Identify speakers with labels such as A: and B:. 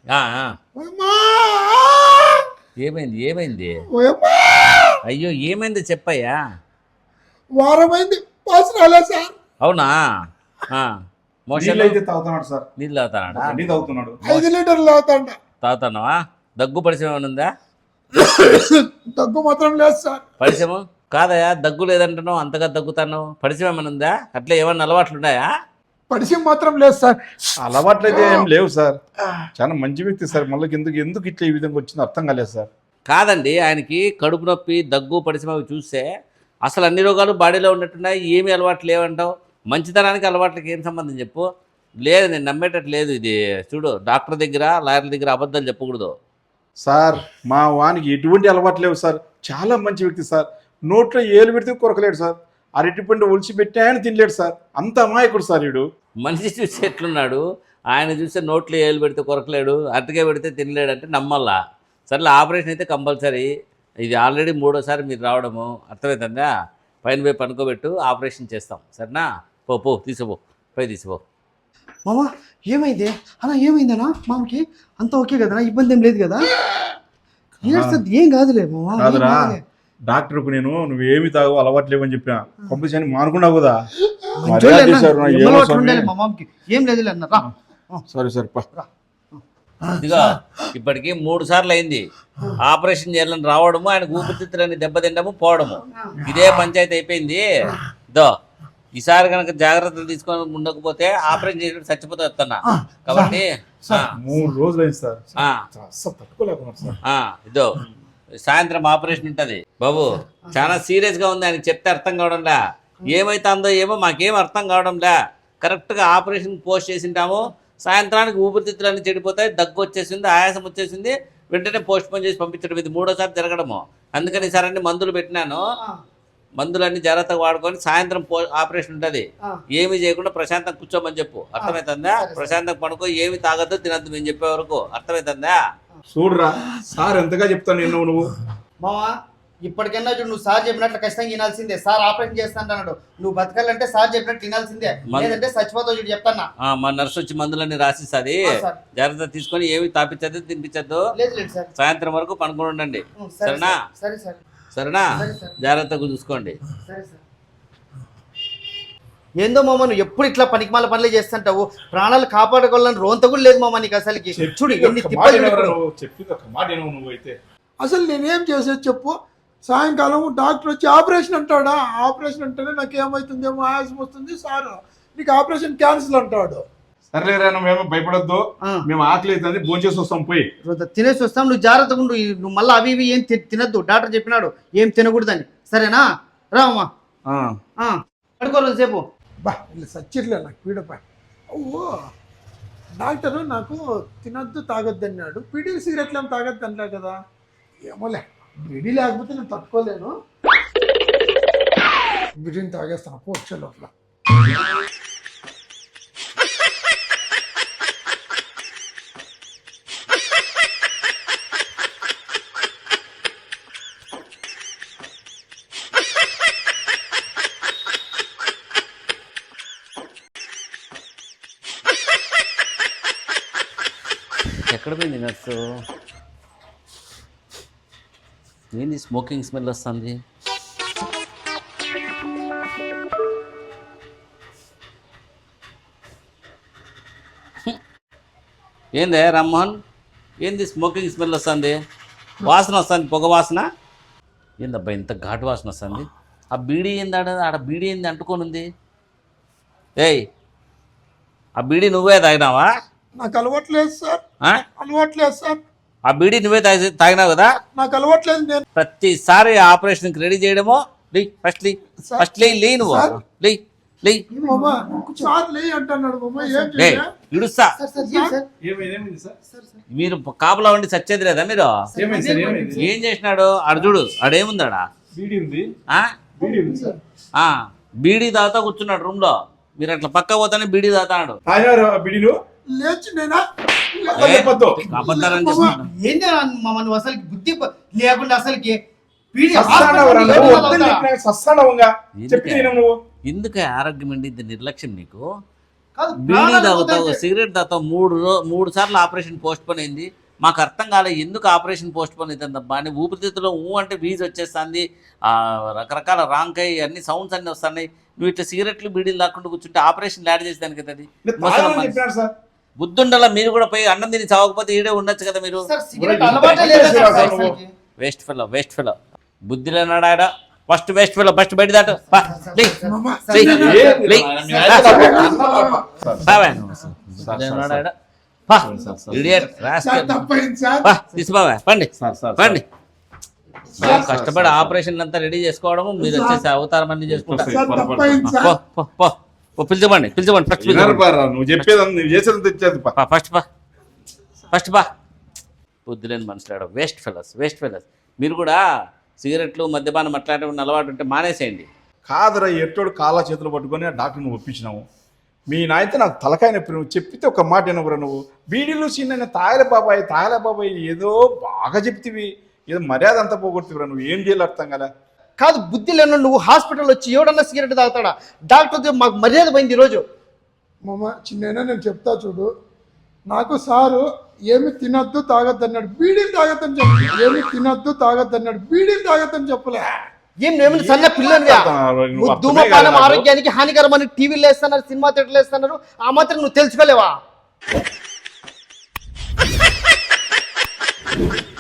A: ఆ, ఆ.
B: ఓయమ్మా!
A: ఏమైంది ఏమైంది?
B: ఓయమ్మా!
A: అయ్యో ఏమైంది చెప్పయ్యా.
B: వారమైంది పాస్ రాలే సార్.
A: అవునా? ఆ,
C: నీళ్ళు
A: మోషన్
C: అయితే తాగుతున్నాడు సార్.
A: నీళ్ళు తాగుతాడా?
C: నీ తాగుతున్నాడు.
B: 5 లీటర్లు తాగుతాండ.
A: తాగుతున్నావా? దగ్గు పరిచయం ఏమైనా ఉందా?
B: దగ్గు మాత్రం లేదు సార్.
A: పరిచయం కాదయా, దగ్గు లేదంటున్నావు, అంతగా దగ్గుతాను. పరిచయం ఏమైనా ఉందా? అట్లా ఏమన్నా అలవాట్లు ఉన్నాయా?
B: పరిచయం మాత్రం లేదు సార్.
C: అలవాట్లు అయితే ఏం లేవు సార్. చాలా మంచి వ్యక్తి సార్. మళ్ళీ ఎందుకు ఇట్లా ఈ విధంగా వచ్చిందో అర్థం కాలేదు సార్.
A: కాదండి, ఆయనకి కడుపు నొప్పి, దగ్గు, పరిచయం అవి చూస్తే అసలు అన్ని రోగాలు బాడీలో ఉన్నట్టున్నాయి. ఏమీ అలవాట్లు లేవంటావు. మంచితనానికి అలవాట్లకి ఏం సంబంధం చెప్పు? లేదు, నేను నమ్మేటట్టు లేదు ఇది. చూడు, డాక్టర్ దగ్గర, లాయర్ల దగ్గర అబద్ధాలు చెప్పకూడదు.
C: సార్ మా వానికి ఎటువంటి అలవాట్లు లేవు సార్. చాలా మంచి వ్యక్తి సార్. నోట్లో ఏలు పెడితే కొరకలేడు సార్. అరటిపండు ఒలిచి పెట్టి ఆయన తినలేడు సార్. అంత అమాయకుడు సార్ వీడు.
A: మనిషి చూస్తే ఎట్లున్నాడు? ఆయన చూస్తే నోట్లో ఏలు పెడితే కొరకలేడు, అరటికాయ పెడితే తినలేడు అంటే నమ్మల్లా. సర్లే, ఆపరేషన్ అయితే కంపల్సరీ. ఇది ఆల్రెడీ 3వ సారి మీరు రావడము, అర్థమవుతుందా? పైన పోయి పనుకోబెట్టు, ఆపరేషన్ చేస్తాం. సరేనా? పో తీసుకోపో, పై తీసుకోపో.
D: మామ ఏమైంది అలా? ఏమైందనా మామకి? అంత ఓకే కదనా? ఇబ్బంది ఏం లేదు కదా? ఏడుస్తుంది, ఏం కాదులే మామ, ఏం
C: కాదురా,
D: కాదులే.
C: డాక్టర్కు నువ్వేమి తాగు అలవాటు లేవని చెప్పిన పంపించని మానుకున్నావు కదా.
D: మంచోళ్ళే అన్న, ఎమ్మలో అట్లా ఉండాలి మా మామకి. ఏం లేదులే అన్న, రా.
C: సరే సరే
A: ఇదిగో, ఇప్పటికి 3 సార్లు అయింది ఆపరేషన్ చేయాలని రావడము, ఆయన ఊపిరితిత్తులని దెబ్బతిండము, పోవడము. ఇదే పంచాయతీ అయిపోయింది. దో, ఈసారి కనుక జాగ్రత్తలు తీసుకొని ఉండకపోతే ఆపరేషన్ చేసి చచ్చిపోతే వస్తున్నా. కాబట్టి
C: 3 రోజులు అయింది సార్.
A: ఆ,
C: అస్సలు తట్టుకోలేకున్నాను సార్.
A: ఇదో సాయంత్రం ఆపరేషన్ ఉంటుంది బాబు. చాలా సీరియస్గా ఉంది. ఆయనకి చెప్తే అర్థం కావడంలే. ఏమైతుందో ఏమో మాకేం అర్థం కావడంలే. కరెక్ట్గా ఆపరేషన్ పోస్ట్ చేసింటాము, సాయంత్రానికి ఊపిరితిత్తులన్నీ చెడిపోతాయి, దగ్గు వచ్చేసింది, ఆయాసం వచ్చేసింది, వెంటనే పోస్ట్ పోన్ చేసి పంపించడం. ఇది 3వ సారి జరగడము. అందుకని ఈసారి అన్ని మందులు పెట్టినాను. మందులన్నీ జాగ్రత్తగా వాడుకొని సాయంత్రం ఆపరేషన్ ఉంటుంది. ఏమీ చేయకుండా ప్రశాంతంగా కూర్చోమని చెప్పు. అర్థమవుతుందా? ప్రశాంతంగా పడుకో, ఏమి తాగద్దు, తినద్దు మేము చెప్పే వరకు. అర్థమవుతుందా?
C: చూడరా సార్ ఎంతగా చెప్తాను నువ్వు.
D: మామ ఇప్పటికైనా చూడు, నువ్వు సార్ చెప్పినట్లు ఖచ్చితంగా వినాల్సిందే. సార్ ఆపరేషన్ చేస్తాను, నువ్వు బతకాలంటే సార్ చెప్పినట్టు వినాల్సిందే, లేదంటే చచ్చిపోతావు. చూడు చెప్తానా.
A: మా నర్సు వచ్చి మందులన్నీ రాసిస్తుంది.
D: సార్.
A: జాగ్రత్త తీసుకొని ఏమి తాపించద్దు, తినిపించద్దు.
D: లేదు లేదు సార్.
A: సాయంత్రం వరకు పనుకొని ఉండండి.
D: సరే
A: సరేనా?
D: సరే సరే
A: సరేనా?
D: సరే సార్.
A: జాగ్రత్తగా చూసుకోండి.
D: సరే సార్. ఏందో మామ, నువ్వు ఎప్పుడు ఇట్లా పనికిమాల పనులే చేస్తుంటావు. ప్రాణాలు కాపాడుకోవాలని రోంత కూడా లేదు మామ నీకు అసలుకి. చూడు ఎన్ని తిప్పలు పెట్టుకున్నావు.
C: చెప్పింది ఒక మాట వినవు నువ్వైతే.
B: అసలు నేనేం చేసేది చెప్పు? సాయంకాలం డాక్టర్ వచ్చి ఆపరేషన్ అంటాడా? ఆపరేషన్ అంటేనే నాకు ఏమవుతుందేమో, ఆయాసం వస్తుంది సార్, నీకు ఆపరేషన్ క్యాన్సిల్ అంటాడు.
C: సర్లేరా, నువ్వేమో భయపడొద్దు. మేము ఆకలి అవుతుంది, భోజనం చేసి వస్తాం. పోయి
D: తినేసి వస్తాం. నువ్వు జాగ్రత్తగా ఉండు. నువ్వు మళ్ళీ అవి ఇవి ఏం తినద్దు. డాక్టర్ చెప్పినాడు ఏం తినకూడదని. సరేనా? రామ్మా పడుకో సేపు.
B: బా ఇలా సచ్చిట్లే నాకు పీడపై. ఓ డాక్టరు నాకు తినద్దు తాగొద్దు అన్నాడు. బీడీ సిగరెట్లు ఏం తాగొద్దు అంటా కదా. ఏమోలే, బీడీ లేకపోతే నేను తట్టుకోలేను. బీడీని తాగేస్తాను వచ్చే లోపల.
A: ఎక్కడ పోయింది నర్సు? ఏంది స్మోకింగ్ స్మెల్ వస్తుంది? ఏందే రామ్మోహన్, ఏంది స్మోకింగ్ స్మెల్ వస్తుంది? వాసన వస్తుంది, పొగ వాసన. ఏందబ్బా ఇంత ఘాటు వాసన వస్తుంది? ఆ బీడీ ఏంది? ఆడ బీడీ ఏంది అంటుకొని ఉంది? ఏయ్, ఆ బీడీ నువ్వే తాగినావా?
B: నాకు అలవాట్లేదు సార్. అలవాట్లేదు సార్.
A: ఆ బీడీ నువ్వే తాగినావు కదా?
B: నాకు అలవాట్లేదు. నేను
A: ప్రతిసారి ఆపరేషన్కి రెడీ చేయడమో. ఫస్ట్ లే నువ్వు లే.
B: సార్ లే అంటున్నాడు మామ. ఏం చేయాలి?
A: ఇడుస్తా.
C: ఏమైంది సార్?
A: మీరు కాపలా ఉండి చచ్చేది లేదా మీరు?
C: ఏమైంది సార్? ఏమైంది?
A: ఏం చేసినాడు అర్జుడు? ఆడేముందాడా?
C: బీడీ ఉంది. బీడీ ఉంది సార్.
A: బీడీ తాగుతా కూర్చున్నాడు రూమ్ లో. మీరు అట్లా పక్క పోతానే బీడీ తాగుతాడు.
C: బీడీలు
B: లేచి నేనా
A: అబద్ధాలని చెప్తున్నాడు.
D: ఏంది మామ నువ్వు అసలుకి బుద్ధి లేకుండా అసలుకి
A: ఎందుకు ఆరోగ్యం అండి ఇంత నిర్లక్ష్యం నీకు?
D: కాదు,
A: బీడీ
D: ప్రాణాలు
A: తాగుతావు,
D: పోతాయి.
A: సిగరెట్ తాగుతావు, మూడు సార్లు ఆపరేషన్ పోస్ట్ పోన్ అయింది. మాకు అర్థం కాలే ఎందుకు ఆపరేషన్ పోస్ట్ పోన్ అవుతుందబ్బా అని. ఊపిరితిత్తులో అంటే వీజ్ వచ్చేస్తుంది, రకరకాల రాంకై అన్ని సౌండ్స్ అన్నీ వస్తున్నాయి. నువ్వు ఇట్లా సిగరెట్లు బీడీలు తాకుండా కూర్చుంటే ఆపరేషన్ యాడ్ చేసేదానికి కదా అది.
C: తాగమని చెప్పినాడు సార్.
A: బుద్ధుండాల మీరు కూడా పోయి అన్నం తిని చావకపోతే ఈడే ఉండొచ్చు కదా మీరు.
D: సార్, సిగరెట్ అలవాటే లేదా సార్ అసలుకి?
A: వేస్ట్ ఫెలో బుద్ధి లేనాడు ఆడ. ఫస్ట్ వేస్ట్ ఫెలో, ఫస్ట్ బయట దాటు. పా, లే.
B: మామ,
A: లే.
C: ఏ-
A: లే.
C: సార్,
A: లేనాడు ఆడ. పా, idiot, rascal.
B: సార్ తప్పైంది సార్.
A: పా, తీసుకోవా, పండి
C: సార్.
A: పండి. మేము కష్టపడి ఆపరేషన్ అంతా రెడీ చేసుకోవడము, మీరు వచ్చేసి అవతారం అన్ని చేసుకుంటారు.
B: సార్ తప్పైంది
A: పో,
B: సార్.
A: పో, పో. పో, పిలిచమండి ఫస్ట్
C: వినరు బారా, నువ్వు చెప్పేది నువ్వు చేసేది తెచ్చేది పా.
A: ఫస్ట్ బా. బుద్ధి లేని మనుషులాడు. Waste fellows. మీరు కూడా సిగరెట్లు మద్యపానం అట్లాంటివి అలవాటు ఉంటే మానేసేయండి.
C: కాదురా, ఎట్టోడు కాళ్ళ చేతులు పట్టుకొని ఆ డాక్టర్ని ఒప్పించినావు. మీ నాయనతో నాకు తలకాయ నొప్పి. నువ్వు చెప్పితే ఒక మాట వినవురా నువ్వు. బీడీలు చిన్న తాగలే బాబాయ్ ఏదో బాగా చెప్తివి, ఏదో మర్యాద అంతా పోగొడుతురా. నువ్వు ఏం చేయాలి అర్థం కదా.
D: కాదు, బుద్ధి లేను నువ్వు హాస్పిటల్ వచ్చి ఎవడన్నా సిగరెట్ తాగుతాడా? డాక్టర్ మాకు మర్యాద పోయింది ఈరోజు.
B: మామ చిన్న నేను చెప్తా చూడు. నాకు సారు ఏమి తినొద్దు తాగొద్దు అన్నాడు, బీడీలు తాగొద్దని చెప్పు. ఏమి తినొద్దు తాగొద్దు అన్నాడు, బీడీలు తాగొద్దని చెప్పలే.
D: ఏం నువ్వేమైనా సన్న పిల్లనివా?
C: నువ్వు అర్థమే
D: ధూమపానం
C: కాదు నాకు.
D: ఆరోగ్యానికి హానికరం అని టీవీలో వేస్తున్నారు, సినిమా థియేటర్లు వేస్తున్నారు. ఆ మాత్రం నువ్వు తెలుసుకోలేవా?